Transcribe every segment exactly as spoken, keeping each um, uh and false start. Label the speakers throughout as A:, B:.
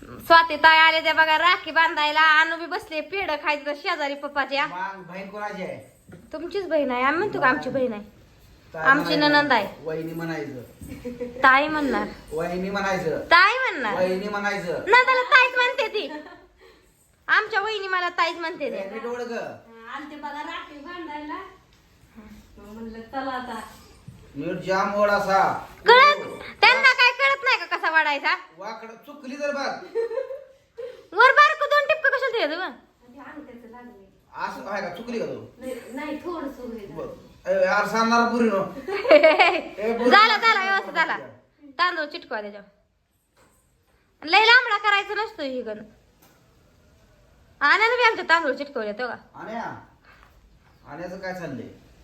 A: स्वाती ताई आले त्या बघा राखी बांधायला. आणू बी बसले पेढ खायचं तर शेजारी पप्पाच्या.
B: बहीण कोणाची आहे?
A: तुमचीच बहीण आहे. आम्ही म्हणतो का आमची बहीण आहे. आमची ननंद आहे.
B: वहिनी म्हणायचं.
A: ताई म्हणणार.
B: वहिनी म्हणायचं.
A: ताई म्हणणार.
B: वहिनी म्हणायचं.
A: ना त्याला ताईच म्हणते ती. आमच्या वहिनी मला ताईच म्हणते ते.
B: नीट ओळख.
C: आलते बघा राखी बांधायला. म्हणलं चला आता.
B: नीट जाम ओढ असा.
A: कळत त्यांना काय कळत नाही का कसा वाढायचा.
B: वाकड चुकली तर बघ.
A: वर बारक दोन टिपक कशाला द्यायचं ग.
C: अंगठ्याचं लागले.
B: असं आहे का? चुकली का तू?
C: नाही थोडस
B: यार सांगणार पुरी नो.
A: झाला झाला व्यवस्थित झाला. तांदूळ चिटकवा त्याच्यावर. लय लांबडा करायचं नसतो ही गण. आण्यानं बी आमच्या तांदूळ चिटकवले तो का.
B: आण्या आण्याचं काय चाललंय?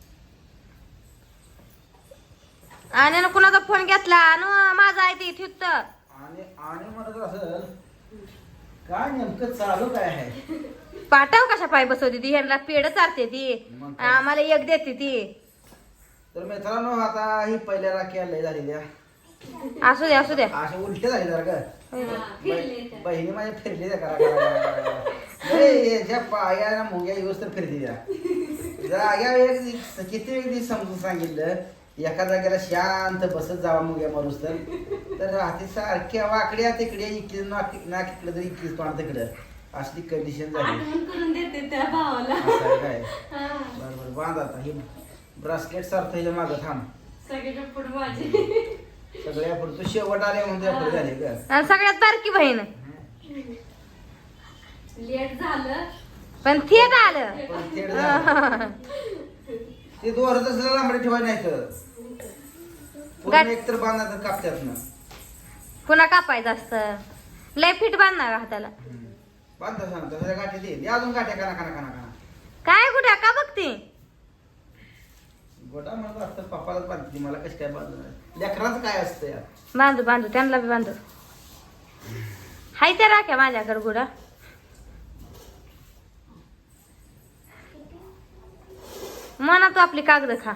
A: आण्यानं कुणाचा फोन घेतला आणि माझा आहे ते ठेवत.
B: आणि आणि म्हणत असेल काय नेमकं चालू काय आहे?
A: पाठव कशा पाय बसवते ती. ह्यांना पेड चारते ती.
B: मग काय?
A: आम्हाला एक देते ती.
B: तर मित्रांनो आता ही पहिल्या राखी लय झालेल्या.
A: असू द्या असू द्या.
B: अशा उलट्या झाली जरा का.
C: फिरले
B: बहिणी माझ्या फिरली त्या करा करा करा. याच्या पाया मुंग्या येऊस तर फिरती त्या. जाग्या एक किती वेळ दिवस समजून सांगितलं एका जागेला शांत बसत जावा मुंग्या मारूस तर तर राहते सारख्या वाकड्या तिकडे इकडे नाक नाक इकडे तर इकडे तोंड तिकडं. असली कंडिशन झाली.
C: आठवण करून देते त्या भावाला.
B: असं आहे काय?
C: हा.
B: बरोबर बांध आता हे ब्रासलेट सारखं ह्याच्या मागं थांब.
C: सगळ्याच्या पुढे माझी.
B: सगळ्या पुढे तू शेवट आले म्हणून पुढे झाले का.
A: आणि सगळ्यात बारकी बहीण.
C: लेट झालं
A: पण थेट आलं.
B: पण थेट झालं. ते दोर तसं लांबडे ठेवायला नाही तर पूर्ण एक तर बांधायचं कापत्यात ना.
A: पुन्हा कापायचं असतं. लय फिट बांधणार का हाताला.
B: बांधता सांग तसं गाठी दे दे अजून गाठ्या काना काना काना काना.
A: काय कुठे का बघते.
B: गोटा म्हणत असतं पप्पालाच बांधते मला कसं काय बांधणार. लेकराचं काय असतं यार.
A: बांधू बांधू त्यांना बी बांधू. हाय त्या राख्या माझ्याकडे गुडा. म्हणा तू आपली कागद खा.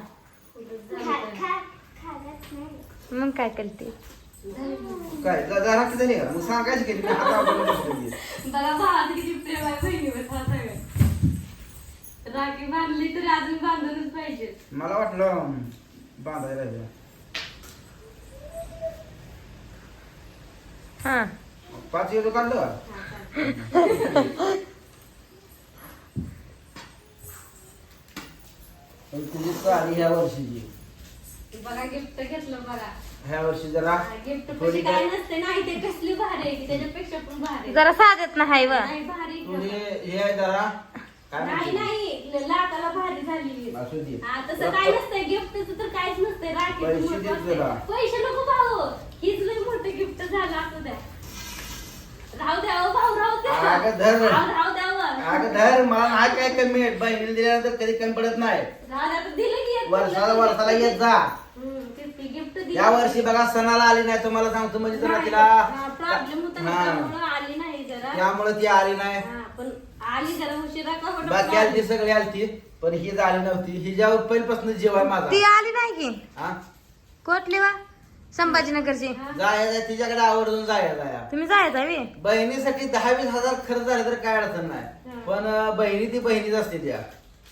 A: मग काय करते.
B: काय जा राखी झाली का मग सांगायची केली मी हात आवडून बसलेली.
C: बघा भावात किती प्रेम आहे बहिणीवर. हा सगळं राखी बांधली तरी अजून बांधूनच पाहिजे.
B: मला वाटलं बांधायला राहिलं.
A: हा
B: पाच किलो काढलं का? पण तुझी चाली ह्या वर्षीची.
C: बघा गिफ्ट घेतलं बघा.
B: ह्या वर्षी जरा
C: गिफ्ट
B: थोडी
C: काय
B: काय
C: नसते नाही ते कसली भारी आहे की त्याच्यापेक्षा पण भारी.
A: जरा साधत नाही व.
C: नाही भारी
B: थोडी हे आहे जरा काय
C: नाही
B: म्हणते
C: नाही लाटाला भारी झाली.
B: असू दे.
C: हा, तसं काय नसतंय गिफ्टचं तर काहीच नसतंय.
B: पैसे
C: राखीचं
B: देत
C: महत्त्व
B: जरा.
C: असतंय. पैसे नको भाऊ. हीच लय मोठं गिफ्ट झालं असू द्या. राहू द्या हो भाऊ राहू द्या.
B: अगं धर.
C: राहू राहू द्या हो.
B: अगं धर मला नाही काय कमी आहे बहिणीला दिल्यानंतर कधी कमी पडत नाही.
C: राहू द्या तर दिलं की एक
B: वर्षाला वर्षाला येत जा.
C: हम्म, तेच की गिफ्ट दिलं.
B: या वर्षी बघा सणाला आली नाही तुम्हाला सांगतो म्हणजे जरा तिला
C: प्रॉब्लेम होता ना,
B: हा.
C: त्यामुळं आली नाही जरा.
B: त्यामुळे ती आली नाही.
C: हा, पण आली जरा उशिरा का होतं
B: बाकी
C: पण
B: आली सगळी आलती पण ही झाली नव्हती. हिच्यावर पहिल्यापासून जीव आहे माझा.
A: ती आली नाही की.
B: हा
A: कोटली वा संभाजीनगरची.
B: जायचं तिच्याकडे आवर्जून जायचं आहे.
A: तुम्ही जायचा वे.
B: बहिणीसाठी दहा वीस हजार खर्च झाले तर काय अडचण नाही पण अं, बहिणी ती बहिणीच असते त्या.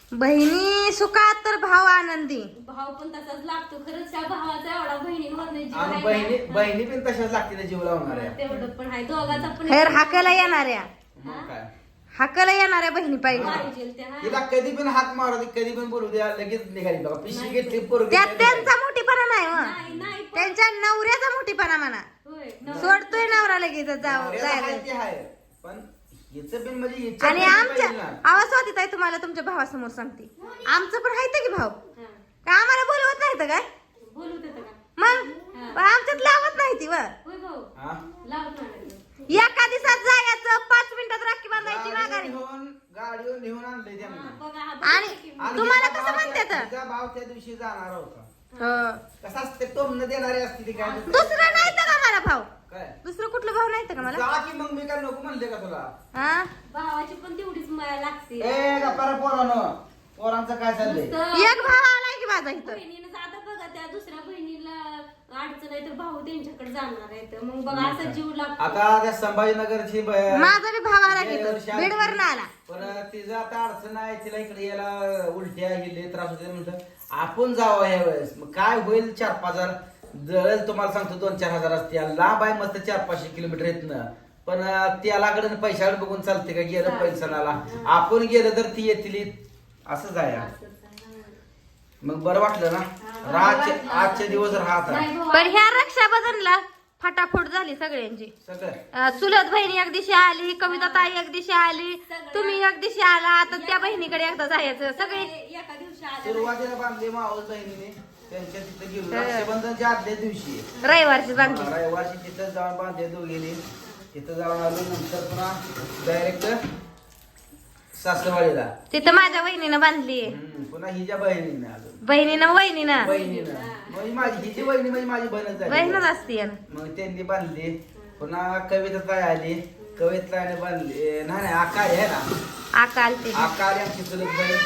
A: बहिणी सुखात तर भाव आनंदी.
C: भाव पण तसाच लागतो खरंच. त्या भावाचा एवढा बहिणींवर नाही जीव
B: आणि
C: आहे
B: बहिणी
C: ना.
B: बहिणी पण तशाच लागते जीव लावणाऱ्या.
C: तेवढं पण आहे दोघाचा पण
A: खैर हाकाला येणाऱ्या.
B: मग काय
A: हाकाला येणाऱ्या बहिणी पाहिजे.
C: पाहिजे त्या, हा.
B: तिला कधी पण हाक मारू दे कधी पण बोलू द्या लगेच निघाली बघा पिशी घेतली पोरगी
A: त्यात
B: काय
A: त्यांचा मोठीपणा नाही व.
C: नाही नाही पण-
A: त्यांच्या नवऱ्याचा मोठीपणा म्हणा.
C: होय, नवरा-
A: सोडतोय नवरा लगेच जाव
B: नवऱ्याचं
A: जायला.
B: आहे ते आहे. पण हिचं पण म्हणजे हिच्या
A: आणि
B: पण
A: आमच्या
B: पाहिजे ना.
A: आवाज होती ताई तुम्हाला तुमच्या भावासमोर सांगते. आमचं पण आहे की भाऊ.
C: हा.
A: का आम्हाला बोलवत नाही तर काय
C: बोलू देतं का?
A: मग पण आमच्यात लावत नाही ती व.
C: होय भाऊ
B: हा?
C: लावत नाही.
A: एका दिवसात जायचं पाच मिनिटात राखी बांधायची
B: गाडीवर
A: माघारी.
B: नेऊन गाडीवर नेऊन आणलंय
C: हा,
B: त्यांना.
C: बघा, हा,
A: आणि-
C: बघा की-
B: आणि
A: तुम्हाला
B: हिचा
A: कसं
B: भाव
A: म्हणतात?
B: त्या- हिचा भाव त्या दिवशी जाणार होता.
A: हो.
B: कसा असते टोमन देणारी असते ती काय
A: दुसरं नाही तर का मला भाऊ.
B: काय
A: दुसरं कुठलं भाऊ नाही तर का मला.
B: जा की मग मी काय नको म्हणले का तुला.
A: हा
C: भावाची पण तेवढीच माया लागते.
B: ए गप्पा रे पोरानं पोरांचं काय चाललंय.
C: नुसतं
A: एक भाव आलाय की माझा इथं.
C: बहिणीनं आता बघा त्या दुसऱ्या बहिणीला अडचण आहे तर भाऊ त्यांच्याकडे जाणार आहे तर मग बघा असं जीव लागतो.
B: आता त्या संभाजीनगरची ब-
A: माझा बी भाव आला की
B: गेल्या वर्षी आली.
A: बीडवर ना आला
B: पण तिचं आता अडचण आहे, तिला इकडे यायला उलट्या गेले त्रास होते म्हणलं आपण जावं या वेळेस. मग काय होईल, चार पाच हजार जळेल तुम्हाला सांगतो, दोन चार हजार असते. लांब आहे मस्त चार पाचशे किलोमीटर येतनं, पण त्यालाकडे पैशाकडे बघून चालते का, गेलं पैसाला आपण गेलं तर ती येतील असंच आहे. मग बरं वाटलं ना, राहचे आजचे दिवस राहत
C: नाही भाऊ,
A: पण ह्या रक्षाबंधनला फटाफट झाली सगळ्यांची.
B: सगळं
A: अं, चुलत बहिणी एक दिवशी आली, कविता ताई एक दिवशी आली, तुम्ही एक दिवशी आला, आता त्या बहिणीकडे एकदा जायचं सगळे.
C: एका दिवशी आलं
B: सुरुवातीला बांधले मावस बहिणीने, त्यांच्या तिथं गेलो रक्षाबंधनच्या आदल्या दिवशी
A: रविवारची बांधली.
B: रविवारची तिथं जाऊन बांधले दोघीने, तिथं जाऊन आलो. नंतर पुन्हा डायरेक्ट सासरवाडीला,
A: तिथं माझ्या बहिणीनं बांधली,
B: हम्म, पुन्हा हिच्या बहिणीने आलो.
A: बहिणीनं वहिनीनं
B: बहिणीनं म्हणजे माझी हिची बहिणी म्हणजे माझी बहीणच झाली.
A: बहिणच असते.
B: मग त्यांनी बांधली. पुन्हा कविता ताई आली, कविता ताईने बांधली. नाही नाही आकाळी आहे ना,
A: आकाल ते
B: आकाळी आमची चुलत बहीण.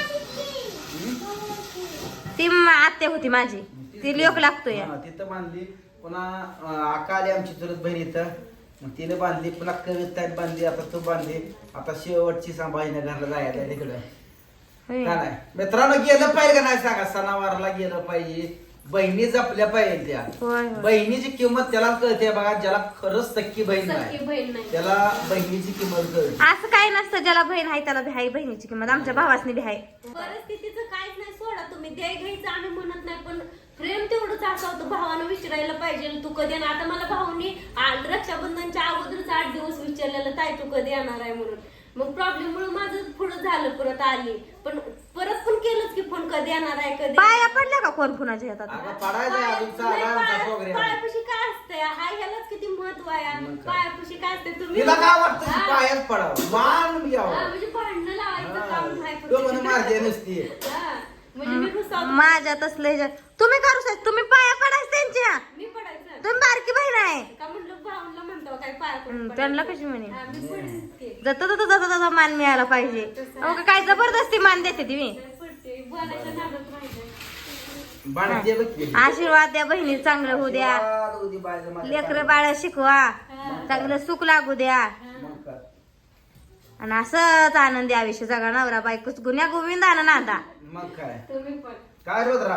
A: ती म- आत्या होती माझी, ती लोक लागतोय.
B: हा, तिथं बांधली. पुन्हा अं, आकाळी आमची चुलत बहीण इथं, मग तिने बांधली. पुन्हा कविता बांधली, आता तू बांधली. आता शेवटची संभाजीनगरला जायला तिकडं
A: होय.
B: का नाही. मित्रांनो गेलं पाहिजे का नाही सांगा, सणावारला गेलं पाहिजे, बहिणी जपल्या पाहिजे त्या.
A: होय, होय.
B: बहिणीची किंमत त्याला कळते बघा, ज्याला खरंच सक्की बहीण
C: सख्खी
B: नाही
C: बहीण नाही.
B: त्याला बहिणीची किंमत कळते.
A: असं काय नसतं, ज्याला बहीण आहे त्याला बी आहे बहिणीची किंमत. आमच्या भावासनी बी आहे.
C: परिस्थितीचं काहीच नाही, सोडा तुम्ही द्याय घ्यायचं आम्ही म्हणत नाही, पण प्रेम तेवढंच असं होतं. भावानं विचारायला पाहिजे तू कधी येणार. आता मला भाऊनी आ- रक्षाबंधनच्या अगोदरच आठ दिवस विचारलेलं ताई तू कधी येणार आहे म्हणून. मग प्रॉब्लेम मुळे माझं पुढं झालं, परत आली, पण परत पण केलंच की फोन कधी येणार आहे कधी.
A: पाया पडल्या का कोण कुणाच्या हातात?
B: अगं पडायचं अजून चालला
C: नाही,
B: आमचा
C: पाया-
B: प्रोग्राम.
C: पायापाशी काय असतंय, हाय ह्यालाच किती महत्व आहे.
B: मग काय?
C: पायापाशी काय असतंय तुम्ही
B: तिला काय वाटतं की
C: हा.
B: पायात पडावं, मान
C: हा,
B: घ्यावं.
C: म्हणजे भांडणं लावायचं काम नाही फक्त.
B: तो म्हणे मारते नसती.
C: हा, म्हणजे मी रुसावते.
A: माझ्या तसलं तुम्ही करू शकता, तुम्ही पाया पडायचं त्यांच्या.
C: मी पडायचं
A: तुम्ही बारकी बहीण आहे.
C: का म्हणलं भाऊला म्हणतो काय पाया पडून
A: हम्म,
C: पडायचं.
A: त्यांना कशी म्हणे?
C: हा, मी पडेन की.
A: जाता जाता जाता जाता मान मिळायला पाहिजे. अहो, का काय जबरदस्ती मान देते ती मी.
C: पडते, बोलायच्या नादात राहायचं.
B: बाणते बघ की.
A: आशीर्वाद द्या बहिणी, चांगलं होऊ द्या,
B: आशीर्वाद होऊ दे बाळाचं माझ्या
A: लेकर
B: पायात.
A: बाळ शिकवा, चांगलं सुख लागू द्या,
B: मग काय?
A: आणि असंच आनंदी आयुष्य जगा. नवरा बायकोच गुन्ह्या गोविंदानं नांदा.
B: मग काय
C: तुम्ही पण
B: काय रोधरा,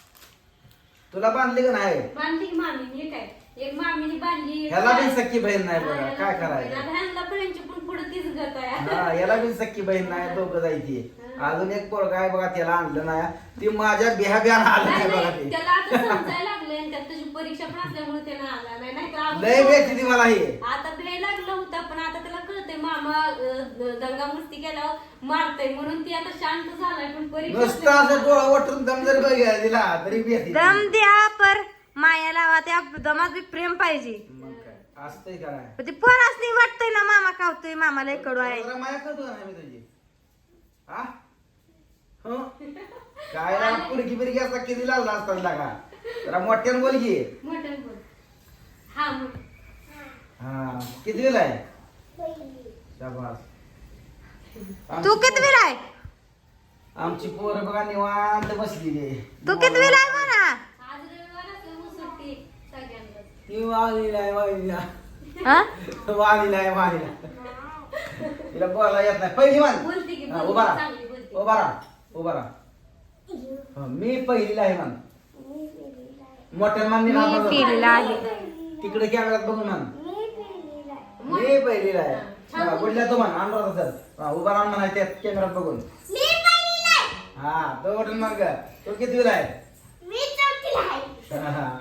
B: तुला बांधली का नाही?
C: बांधली की मामीने, हे काय एक मामीने बांधली.
B: ह्याला बी सख्खी बहीण नाही बघा, काय करायचं.
C: आता ह्यांना पण यांची पण पुढे तीच गत आहे.
B: हा, याला बी सख्खी बहीण नाही, दोघं जायची. अजून एक पोरगा आहे बघा, त्याला आणलं नाही. ती माझ्या बिहा बिहान आलं
C: नाही,
B: नाही बघा
C: नाही,
B: ते.
C: त्याला आता समजायला लागलंय आणि त्यात त्याची परीक्षा पण असल्यामुळे त्यानं आला नाही, नाही तर
B: लय
C: अगोदर-
B: भेटली ती मला ही.
C: आता भे लागलं होता, पण आता त्याला कळतंय मामा अं, दंगा मस्ती केल्यावर मारतय म्हणून ती आता शांत झालाय. पण परीक्षा
B: नुसतं असं डोळा वटून दम जर बघायला दिला तरी भेटली.
A: दम द्या पर माया लावा, त्या दमात बी प्रेम पाहिजे.
B: मग काय असतंय का नाही?
A: पण ते पोरासनी वाटतंय ना मामा खावतोय, मामाला कडू आहे.
B: जरा माया करतो ना मी तुझी. हा? हो? काय ना पुरकी बिरकी असा किती लागला असतात लागा. जरा मोठ्यानं बोल की.
C: मटण बोल. हा मग
B: हा, किती वेळ आहे? शाबास.
A: तू किती वेळ आहे?
B: आमची पोरं बघा निवांत बसली.
A: तू किती वेळ आहे म्हणा?
C: आज रविवार असल्यामुळे सुट्टी सगळ्यांना.
B: ती वाली नाही वाली नाही.
A: हा?
B: वाली नाही वाली नाही. तिला बोलायला येत नाही. पहिली मान.
C: बोलते की
B: हा,
C: बोलते,
B: उभा राहा.
C: चांगली बोलते.
B: उभा राहा. उभा राहा. हा, मी पहिलीला आहे मान. मोठ्या मान
A: मी पिलेला आहे.
B: तिकडे कॅमेरात बघून मान. मी पहिलीला आहे. हा, बोलल्या तो मान अनुराधा सर. हा, उभा राहून म्हणा त्या कॅमेरात बघून. हा, तो बटन मग तो किती वेळ आहे? हा, हा.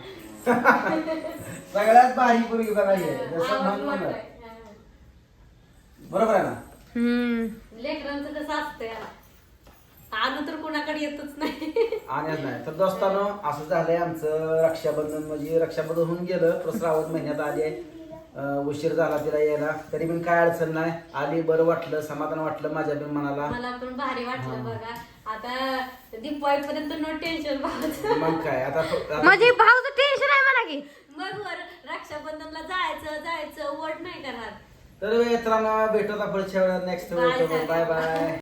B: सगळ्यात भारी पोरगी बघा ही. जसं म्हण म्हणलं. बरोबर आहे ना?
A: हम्म.
C: लेकरांचं कसं असतंय आलं तर कोणाकडे येतच नाही.
B: आणत नाही. तर दोस्तानो असं झालंय आमचं रक्षाबंधन. म्हणजे रक्षाबंधन होऊन गेलं, पण श्रावण महिन्यात आली आहे. अं, उशीर झाला तिला यायला, तरी पण काय अडचण नाही. आली, बरं वाटलं, समाधान वाटलं माझ्या पण मनाला.
C: मला पण भारी वाटलं बघा. आता दिवाळी पर्यंत नो टेन्शन भावाचं.
B: मग काय आता आता-
A: म्हणजे भाऊचं टेन्शन आहे म्हणा की.
C: मग वर रक्षाबंधनला जायचं जायचं वट नाही करणार.
B: तर मित्रांनो भेटू आता पुढच्या वेळेला नेक्स्ट
C: Bye,
B: बाय बाय.